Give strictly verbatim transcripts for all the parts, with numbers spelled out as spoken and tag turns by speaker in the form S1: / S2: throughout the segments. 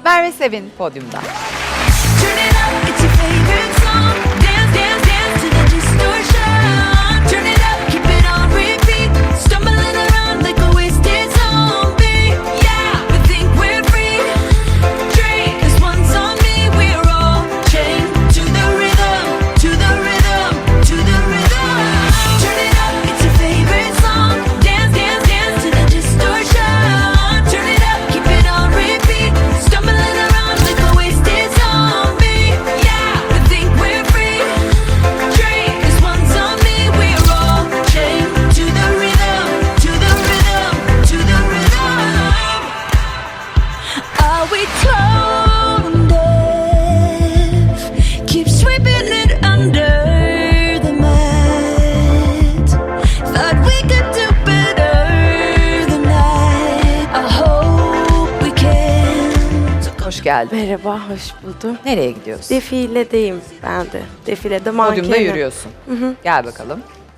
S1: Merve Sevin podyumda.
S2: Turn it up, it's your favorite song. Dance, dance, dance to the distortion. Turn it up, keep it on repeat. Stumbling around like a wasted zombie. Yeah, we think we're free. Drink, 'cause one's on me, we're all chained to the rhythm, to the rhythm, to the rhythm. Turn it up, it's your favorite song. Dance, dance, dance to the distortion. Turn it up, keep it on repeat. Stumbling around like a wasted zombie. Yeah, we think we're free. Drink, 'cause one's on me, we're all chained to the rhythm, to the rhythm, to the rhythm. Are we tone deaf? Keep sweeping it under the mat. Thought we could do better than that. I hope we can.
S1: Hoş geldin.
S3: Merhaba, hoş buldum.
S1: Nereye gidiyorsun?
S3: Defiledeyim ben de. Defilede mankenim.
S1: Podyumda yürüyorsun. Gel bakalım.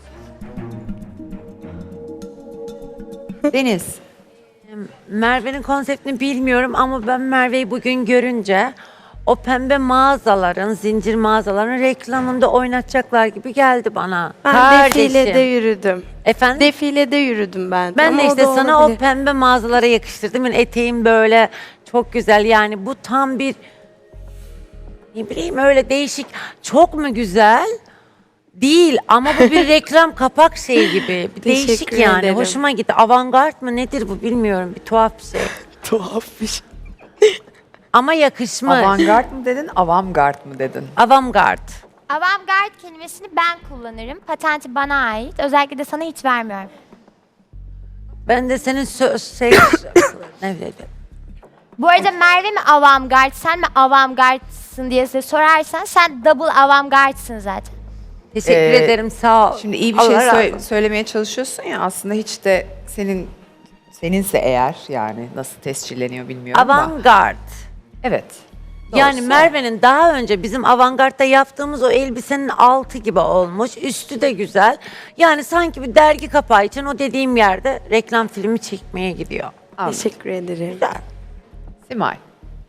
S1: Deniz.
S4: Merve'nin konseptini bilmiyorum ama ben Merve'yi bugün görünce o pembe mağazaların, zincir mağazaların reklamında oynatacaklar gibi geldi bana.
S3: Ben
S4: Kardeşim.
S3: defilede yürüdüm.
S4: Efendim?
S3: Defilede yürüdüm ben de.
S4: ben
S3: Ama
S4: de
S3: o
S4: işte
S3: da
S4: sana
S3: olabilir.
S4: o pembe mağazalara yakıştırdım. Yani eteğim böyle çok güzel, yani bu tam bir, ne bileyim, öyle değişik. Çok mu güzel? Değil ama bu bir reklam kapak şeyi gibi. Bir değişik
S3: Teşekkür
S4: yani.
S3: ederim.
S4: Hoşuma gitti. Avantgard mı nedir bu bilmiyorum. Bir tuhaf bir şey.
S3: Tuhaf bir şey.
S4: Ama yakışmış.
S1: Avantgard mı dedin, avantgard mı dedin?
S4: Avantgard.
S5: Avantgard kelimesini ben kullanırım. Patenti bana ait. Özellikle de sana hiç vermiyorum.
S4: Ben de senin söz şey ne dedim?
S5: Bu arada Merve mi avantgard, sen mi avantgardsın diye size sorarsan sen double avantgardsın zaten.
S4: Teşekkür
S1: Ee,
S4: ederim, sağ ol.
S1: Şimdi iyi bir
S4: Allah
S1: şey
S4: razı
S1: sö-
S4: olsun.
S1: söylemeye çalışıyorsun ya, aslında hiç de senin seninse eğer, yani nasıl tescilleniyor bilmiyorum da.
S4: Avantgard.
S1: Evet.
S4: Yani
S1: Doğrusu.
S4: Merve'nin daha önce bizim avantgardda yaptığımız o elbisenin altı gibi olmuş. Üstü de güzel. Yani sanki bir dergi kapağı için o dediğim yerde reklam filmi çekmeye gidiyor.
S1: Anladım.
S3: Teşekkür ederim.
S4: Güzel.
S1: Simay.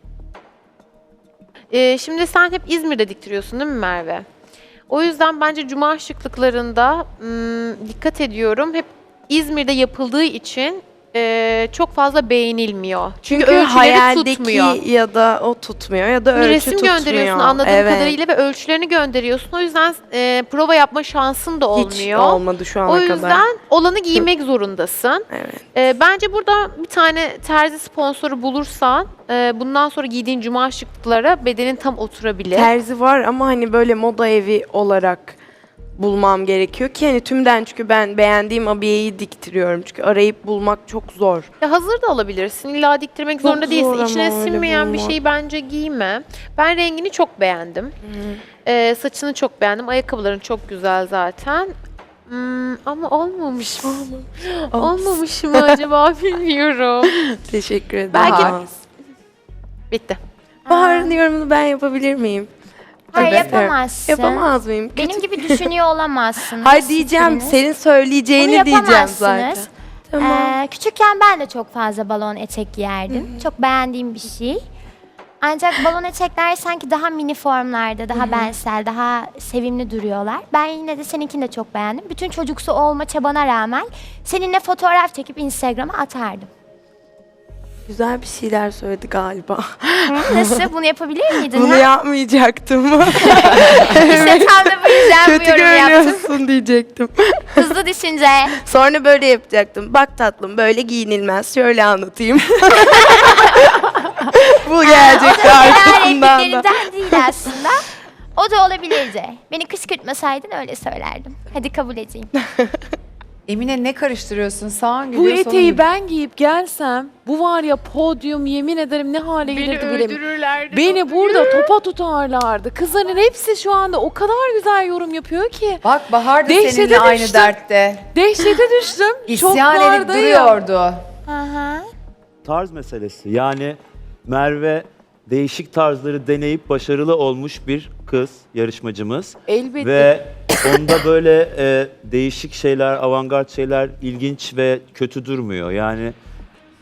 S6: Ee, şimdi sen hep İzmir'de diktiriyorsun değil mi Merve? O yüzden bence cuma şıklıklarında ım, dikkat ediyorum. Hep İzmir'de yapıldığı için e, çok fazla beğenilmiyor. Çünkü,
S3: Çünkü
S6: ölçüleri
S3: hayaldeki
S6: tutmuyor.
S3: ya da o tutmuyor ya da
S6: Bir
S3: ölçü
S6: resim
S3: tutmuyor.
S6: gönderiyorsun anladığım
S3: Evet.
S6: kadarıyla ve ölçülerini gönderiyorsun. O yüzden e, prova yapma şansın da olmuyor.
S3: Hiç olmadı şu ana
S6: O
S3: kadar.
S6: yüzden olanı giymek zorundasın.
S3: Evet.
S6: Ee, bence burada bir tane terzi sponsoru bulursan e, bundan sonra giydiğin cuma şıklıklara bedenin tam oturabilir.
S3: Terzi var ama hani böyle moda evi olarak bulmam gerekiyor ki hani tümden, çünkü ben beğendiğim abiyeyi diktiriyorum. Çünkü arayıp bulmak çok zor.
S6: Ya hazır da alabilirsin. İlla diktirmek
S3: Çok
S6: zorunda
S3: zor
S6: değilsin.
S3: ama
S6: İçine
S3: öyle
S6: sinmeyen bir
S3: bulmak.
S6: şeyi bence giyme. Ben rengini çok beğendim. Ee, saçını çok beğendim. Ayakkabıların çok güzel zaten. Hmm, ama olmamış mı? Olmamış mı acaba bilmiyorum.
S3: Teşekkür ederim.
S6: Belki-
S3: Aa.
S6: Bitti.
S3: Bahar'ın yorumunu ben yapabilir miyim?
S5: Hayır
S3: Evet.
S5: yapamazsın.
S3: Yapamaz mıyım?
S5: Benim gibi düşünüyor olamazsınız.
S3: Hayır diyeceğim,
S5: hiçbiriniz.
S3: senin söyleyeceğini
S5: Bunu
S3: diyeceğim
S5: yapamazsınız.
S3: zaten. Tamam.
S5: Ee, küçükken ben de çok fazla balon etek giyerdim. Çok beğendiğim bir şey. Ancak balon etekler sanki daha mini formlarda, daha bensel, daha sevimli duruyorlar. Ben yine de seninkini de çok beğendim. Bütün çocuksu olma çabana rağmen seninle fotoğraf çekip Instagram'a atardım.
S3: Güzel bir şeyler söyledi galiba.
S5: Nasıl? Bunu yapabilir miydin?
S3: Bunu
S5: ha?
S3: yapmayacaktım.
S5: İşte tam da bu yüzden bu
S3: Kötü
S5: yorumu yaptım.
S3: görünüyorsun diyecektim.
S5: Hızlı düşünce.
S3: Sonra böyle yapacaktım. Bak tatlım, böyle giyinilmez. Şöyle anlatayım. Bu gelecekti
S5: Diğer
S3: arkasından da.
S5: repliklerinden değil aslında. O da olabilirdi. Beni kışkırtmasaydın öyle söylerdim. Hadi kabul edeyim.
S1: Emine ne karıştırıyorsun? Sağın
S7: Bu
S1: gülüyor, solun
S7: eteği
S1: gülüyor.
S7: ben giyip gelsem bu var ya podyum, yemin ederim ne hale gelirdi bilemiyorum. Beni burada topa tutarlardı. Kızların hepsi şu anda o kadar güzel yorum yapıyor ki.
S1: Bak Bahar da
S7: Dehşete
S1: seninle aynı
S7: düştüm.
S1: dertte.
S7: Dehşete düştüm.
S1: İsyan edip
S7: Şoklardayım.
S1: duruyordu.
S5: Aha.
S8: Tarz meselesi. Yani Merve değişik tarzları deneyip başarılı olmuş bir kız yarışmacımız.
S7: Elbette.
S8: Ve onda böyle e, değişik şeyler, avantgard şeyler ilginç ve kötü durmuyor. Yani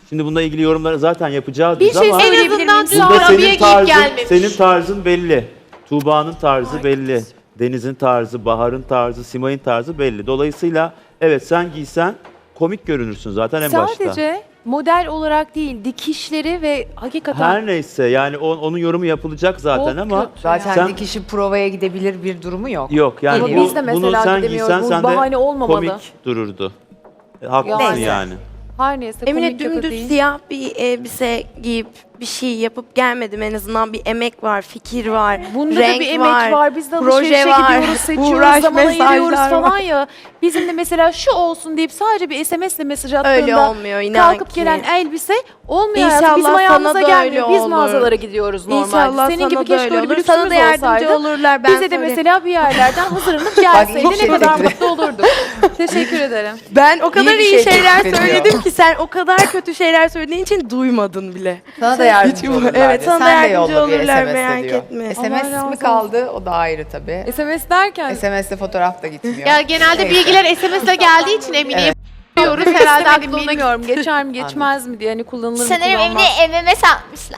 S8: Şimdi bununla ilgili yorumları zaten yapacağız
S7: Bir
S8: biz
S7: şey
S8: ama
S6: En
S7: söyleyebilir
S6: azından
S7: miyim?
S6: dün
S8: burada
S6: abiye
S8: senin
S6: giyip
S8: tarzın,
S6: gelmemiş.
S8: senin tarzın belli. Tuğba'nın tarzı belli. Deniz'in tarzı, Bahar'ın tarzı, Simay'ın tarzı belli. Dolayısıyla evet sen giysen komik görünürsün zaten en başta.
S7: Sadece model olarak değil, dikişleri ve hakikaten
S8: Her neyse yani o- onun yorumu yapılacak zaten
S7: çok
S8: ama
S7: kötü
S1: Zaten
S8: Sen-
S1: dikişi provaya gidebilir bir durumu yok.
S8: yok yani
S7: Ama
S8: bu,
S7: biz de
S8: bunu
S7: mesela
S8: sen
S7: gidemiyoruz.
S8: giysen
S7: Bu
S8: sen
S7: bahane
S8: de
S7: olmamalı.
S8: komik dururdu. E, haklısın
S7: Yani.
S8: yani.
S7: her neyse
S3: Emine
S7: komik ya da
S3: dümdüz
S7: değil.
S3: siyah bir elbise giyip bir şey yapıp gelmedim. En azından bir emek var, fikir var,
S7: Bunda
S3: renk
S7: da bir emek var. Biz de
S3: proje
S7: alışverişe
S3: var,
S7: gidiyoruz, seçiyoruz,
S3: uğraş,
S7: zaman ayırıyoruz
S3: mesajlar
S7: falan
S3: var.
S7: ya. Bizim de mesela şu olsun deyip sadece bir S M S ile mesaj attığında
S3: Öyle olmuyor inan
S7: kalkıp
S3: ki.
S7: gelen elbise olmuyor.
S3: İnşallah
S7: hayatım. Bizim
S3: sana
S7: ayağımıza
S3: da
S7: gelmiyor.
S3: öyle
S7: Biz
S3: olur.
S7: mağazalara gidiyoruz normalde.
S3: İnşallah
S7: Senin
S3: sana
S7: gibi
S3: da
S7: keşke
S3: öyle
S7: öyle bir
S3: olur. Sana
S7: lüksümüz
S3: da yardımcı
S7: olsaydı.
S3: olurlar. Ben
S7: Bize de
S3: söyleyeyim.
S7: mesela bir yerlerden hazırlanıp gelseydi
S1: iyi şey
S7: ne kadar
S1: teklif.
S7: mutlu olurduk. Teşekkür ederim.
S3: Ben o kadar
S1: bir
S3: iyi,
S1: şey
S3: şeyler
S1: teklif ediyor.
S3: söyledim ki sen o kadar kötü şeyler söylediğin için duymadın bile.
S1: Sana da yardımcı olurlar.
S3: Evet,
S1: diye.
S3: sana da
S1: Sen de
S3: yardımcı
S1: yolla bir
S3: olurlar,
S1: S M S
S3: merak
S1: diyor.
S3: etme.
S1: S M
S7: Allah
S1: S
S7: razı
S1: mi
S7: olsun.
S1: kaldı? O da ayrı tabii.
S7: S M S derken
S1: S M S'te fotoğraf da gitmiyor.
S6: Ya genelde
S1: Neyse.
S6: bilgiler S M S'le geldiği için Emine'ye
S1: Evet.
S6: diyoruz. Herhalde
S7: istemedim
S6: aklına
S7: bilmiyorum. Geçer mi geçmez mi diye hani kullanılır mı
S5: Sanırım
S7: kullanılmaz.
S5: Emine M M S atmışlar.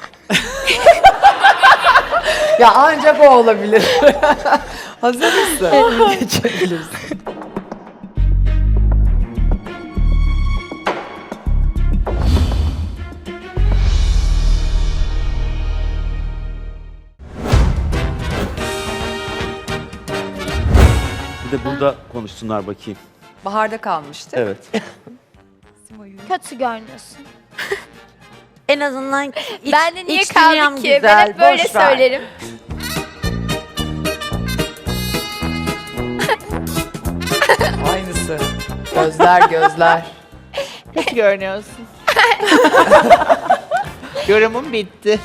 S1: Ya ancak o olabilir. Hazır mısın? Geçebilirsin.
S8: Bir de burada konuşsunlar bakayım.
S1: Baharda kalmıştı.
S8: Evet.
S5: Kötü görünüyorsun.
S4: En azından iç,
S5: Ben de niye
S4: iç dünyam
S5: kaldık ki? Ben
S4: güzel,
S5: hep böyle
S4: boş ver.
S5: söylerim.
S1: Aynısı. Gözler gözler.
S9: Kötü görünüyorsun. Yorumum bitti.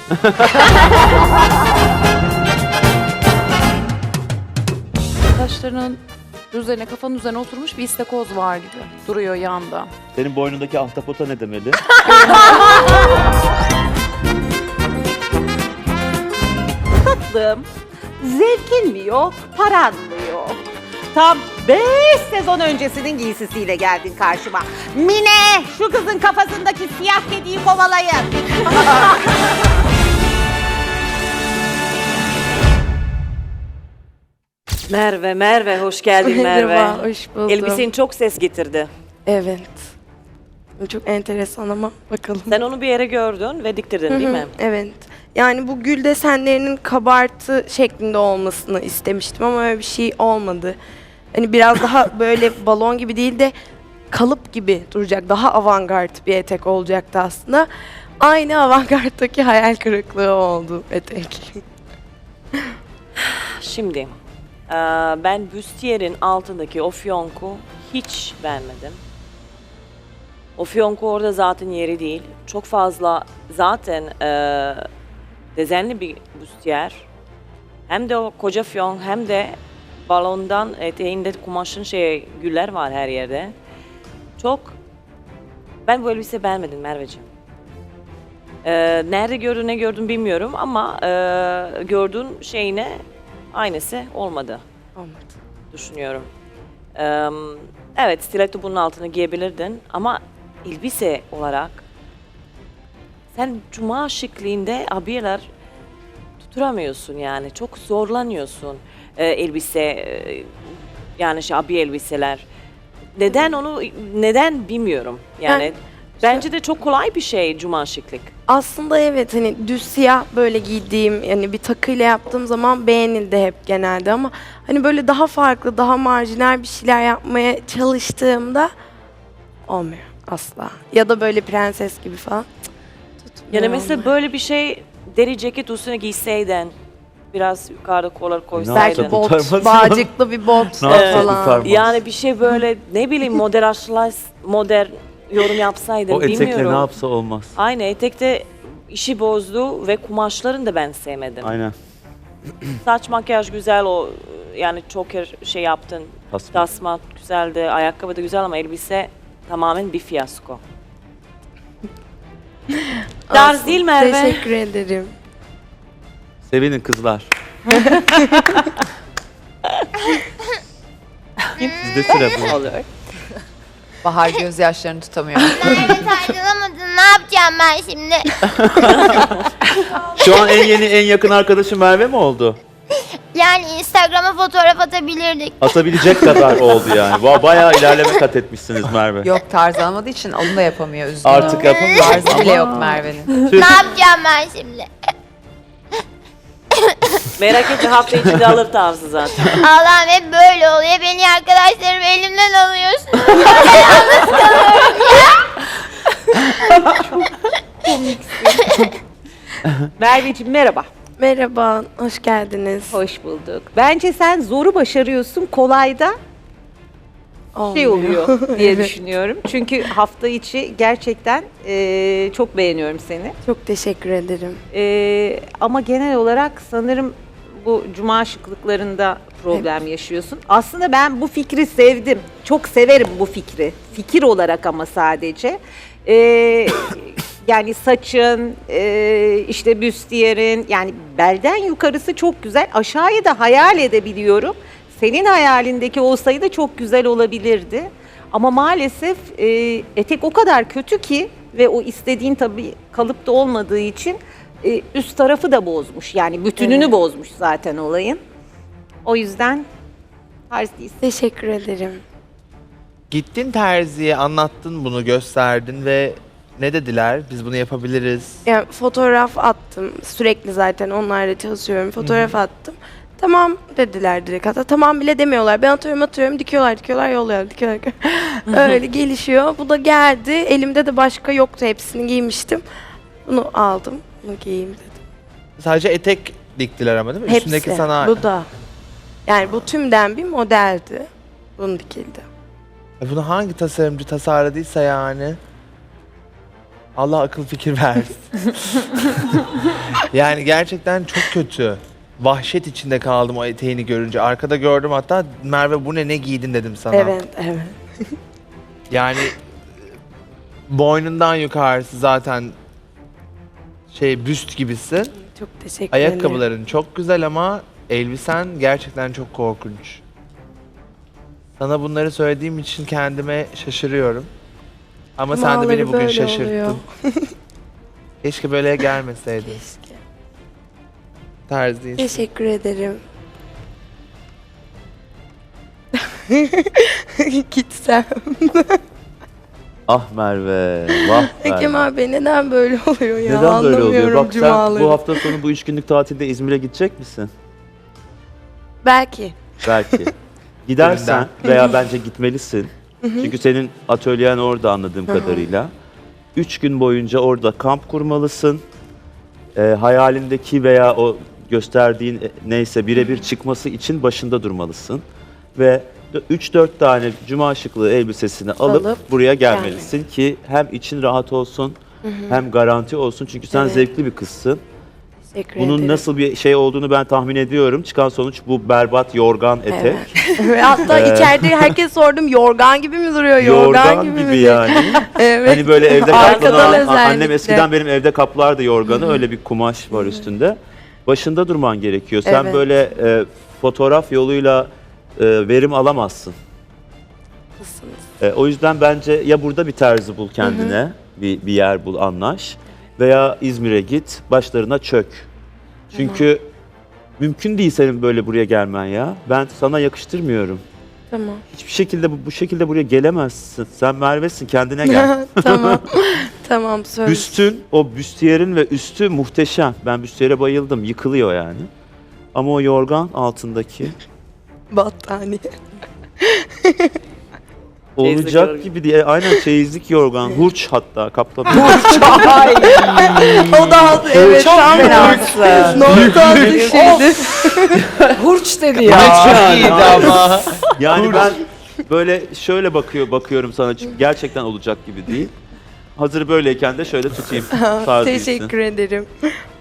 S7: Taşlarının üzerine, kafanın üzerine oturmuş bir istakoz var gibi duruyor yanda.
S8: Senin boynundaki ahtapota ne demeli?
S9: Tatlım, zevkin mi yok, paran mı yok? Tam beş sezon öncesinin giysisiyle geldin karşıma. Mine, şu kızın kafasındaki siyah kediyi kovalayın.
S10: Merve, Merve hoş geldin Merve.
S3: Merhaba, hoş buldum.
S10: Elbisen çok ses getirdi.
S3: Evet. Çok enteresan ama bakalım.
S10: Sen onu bir yere gördün ve diktirdin değil mi?
S3: Evet. Yani bu gül desenlerinin kabartı şeklinde olmasını istemiştim ama öyle bir şey olmadı. Hani biraz daha böyle balon gibi değil de kalıp gibi duracak. Daha avantgard bir etek olacaktı aslında. Aynı avantgarddaki hayal kırıklığı oldu etek.
S10: Şimdi eee, ben büstiyer'in altındaki o fiyonku hiç beğenmedim. O fiyonku orada zaten yeri değil. Çok fazla zaten eee dezenli bir büstiyer. Hem de o koca fiyon hem de balondan eteğinde kumaşın şey güller var her yerde. Çok ben bu elbise beğenmedim Merveciğim. Ee, nerede gördün ne gördün bilmiyorum ama e, gördüğün şeyine aynısı olmadı
S3: Olmadı.
S10: düşünüyorum. Ee, evet stiletto bunun altına giyebilirdin ama elbise olarak sen cuma şıklığında abiyeler tutturamıyorsun yani çok zorlanıyorsun e, elbise e, yani şey abiye elbiseler. Neden onu neden bilmiyorum yani.
S3: Ben-
S10: Bence de çok kolay bir şey cuma şıklık.
S3: Aslında evet hani düz siyah böyle giydiğim yani bir takıyla yaptığım zaman beğenildi hep genelde ama hani böyle daha farklı daha marjinal bir şeyler yapmaya çalıştığımda olmuyor asla. Ya da böyle prenses gibi falan. Cık, tutmuyor
S10: Yani mesela
S3: olmuyor.
S10: böyle bir şey deri ceket üstüne giyseydin biraz yukarıda kollar
S8: Ne
S10: koysaydın.
S8: yapacak?
S3: belki bot,
S8: Kurtarmaz.
S3: bağcıklı bir bot
S8: Ne yapacak?
S3: falan.
S8: Kurtarmaz.
S10: Yani bir şey böyle ne bileyim modern modern yorum yapsaydın
S8: O etekle
S10: bilmiyorum.
S8: ne yapsa olmaz.
S10: Aynı etekte işi bozdu ve kumaşlarını da ben sevmedim.
S8: Aynen.
S10: Saç makyaj güzel o yani çok şey yaptın.
S8: Tasma.
S10: Tasma güzeldi, ayakkabı da güzel ama elbise tamamen bir fiyasko. Tarz değil Merve.
S3: Teşekkür ederim.
S8: Sevinin kızlar. Sizde sıra bu.
S9: Olur.
S1: Bahar gözyaşlarını tutamıyor.
S5: Merve tartılamadın. Ne yapacağım ben şimdi?
S8: Şu an en yeni, en yakın arkadaşın Merve mi oldu?
S5: Yani Instagram'a fotoğraf atabilirdik.
S8: Atabilecek kadar oldu yani. Ba- Bayağı ilerleme kat etmişsiniz Merve.
S1: Yok tarz almadığı için onu da yapamıyor. Üzgünüm.
S8: Artık yapamıyor.
S1: Tarzı bile yok Merve'nin.
S8: Tüh.
S5: Ne yapacağım ben şimdi?
S10: Merak etme, hafta içinde alır tarzı zaten.
S5: Allah'ım hep böyle oluyor. Beni arkadaşlarım elimden alıyorsun.
S9: Merveciğim merhaba.
S3: Merhaba, hoş geldiniz.
S9: Hoş bulduk. Bence sen zoru başarıyorsun, kolayda şey oluyor diye düşünüyorum. Çünkü hafta içi gerçekten eee, çok beğeniyorum seni.
S3: Çok teşekkür ederim.
S9: Eee, ama genel olarak sanırım bu cuma şıklıklarında problem yaşıyorsun. Aslında ben bu fikri sevdim. Çok severim bu fikri. Fikir olarak ama sadece. Eee, yani saçın, eee, işte büstiyerin, yani belden yukarısı çok güzel. Aşağıyı da hayal edebiliyorum. Senin hayalindeki olsaydı da çok güzel olabilirdi. Ama maalesef eee, etek o kadar kötü ki ve o istediğin tabii kalıpta olmadığı için e, üst tarafı da bozmuş. Yani bütününü
S3: Evet.
S9: bozmuş zaten olayın. O yüzden tarz değilsin.
S3: Teşekkür ederim.
S11: Gittin terziye, anlattın bunu, gösterdin ve ne dediler? Biz bunu yapabiliriz.
S3: Yani fotoğraf attım. Sürekli zaten onlarla çalışıyorum. Fotoğraf attım. Tamam dediler direkt. Hatta tamam bile demiyorlar. Ben atıyorum atıyorum. Dikiyorlar dikiyorlar yolluyorlar dikiyorlar. Öyle gelişiyor. Bu da geldi. Elimde de başka yoktu. Hepsini giymiştim. Bunu aldım. Bunu giyeyim dedim.
S11: Sadece etek diktiler ama değil mi?
S3: Hepsi.
S11: Üstündeki sana...
S3: Bu da. Yani bu tümden bir modeldi. Bunu dikildi.
S11: E Bunu hangi tasarımcı tasarladıysa yani... Allah akıl fikir versin. Yani gerçekten çok kötü. Vahşet içinde kaldım o eteğini görünce. Arkada gördüm hatta, Merve bu ne, ne giydin dedim sana.
S3: Evet, evet.
S11: Yani boynundan yukarısı zaten şey, büst gibisin.
S3: Çok teşekkür ederim.
S11: Ayakkabıların çok güzel ama elbisen gerçekten çok korkunç. Sana bunları söylediğim için kendime şaşırıyorum. Ama sen de
S3: Cumaları
S11: beni bugün
S3: böyle
S11: şaşırttın.
S3: oluyor.
S11: Keşke böyle gelmeseydin.
S3: Keşke.
S11: Tarz değilsin.
S3: Teşekkür ederim. Gitsem.
S8: Ah Merve, vah Merve.
S3: Kemal Bey neden böyle oluyor ya?
S8: Neden böyle oluyor?
S3: Anlamıyorum
S8: Bak sen
S3: cumaları.
S8: bu hafta sonu bu üç günlük tatilde İzmir'e gidecek misin?
S3: Belki.
S8: Belki. Gidersen veya bence gitmelisin. Çünkü senin atölyen orada anladığım kadarıyla. Üç gün boyunca orada kamp kurmalısın. Ee, hayalindeki veya o gösterdiğin e, neyse birebir çıkması için başında durmalısın. Ve üç dört tane cuma şıklığı elbisesini alıp,
S3: Alıp
S8: buraya gelmelisin ki hem için rahat olsun hem garanti olsun. Çünkü sen
S3: Evet.
S8: zevkli bir kızsın.
S3: Teşekkür
S8: Bunun
S3: ederim.
S8: nasıl bir şey olduğunu ben tahmin ediyorum. Çıkan sonuç bu berbat yorgan etek.
S3: Ve hatta içeride herkes sordum yorgan gibi mi duruyor? Yorgan,
S8: Yorgan
S3: gibi,
S8: gibi,
S3: mi?
S8: yani.
S3: Evet.
S8: Hani böyle evde
S3: Arkadan
S8: kaplanan,
S3: özellikle.
S8: annem eskiden benim evde kaplardı yorganı, öyle bir kumaş var üstünde. Başında durman gerekiyor. Sen
S3: Evet.
S8: böyle e, fotoğraf yoluyla e, verim alamazsın.
S3: Haklısınız.
S8: E, o yüzden bence ya burada bir terzi bul kendine, bir, bir yer bul, anlaş. Veya İzmir'e git, başlarına çök. Çünkü mümkün değil senin böyle buraya gelmen ya. Ben sana yakıştırmıyorum.
S3: Tamam.
S8: Hiçbir şekilde bu, bu şekilde buraya gelemezsin. Sen Merve'sin, kendine gel.
S3: tamam. tamam söz.
S8: Büstün, o büstiyerin ve üstü muhteşem. Ben büstiyere bayıldım, yıkılıyor yani. Ama o yorgan altındaki
S3: Battaniye.
S10: Çeyizlik
S8: olacak
S10: yorgan.
S8: gibi diye. Aynen çeyizlik yorgan, hurç hatta kaplama.
S3: O da evet. Çok
S1: Fenasın.
S3: Nokta dışıydı.
S1: Hurç dedi
S11: Ya çok iyiydi ama.
S8: Yani ben böyle şöyle bakıyor bakıyorum sana, çünkü gerçekten olacak gibi değil. Hazır böyleyken de şöyle tutayım. Tarzı
S3: Teşekkür ederim.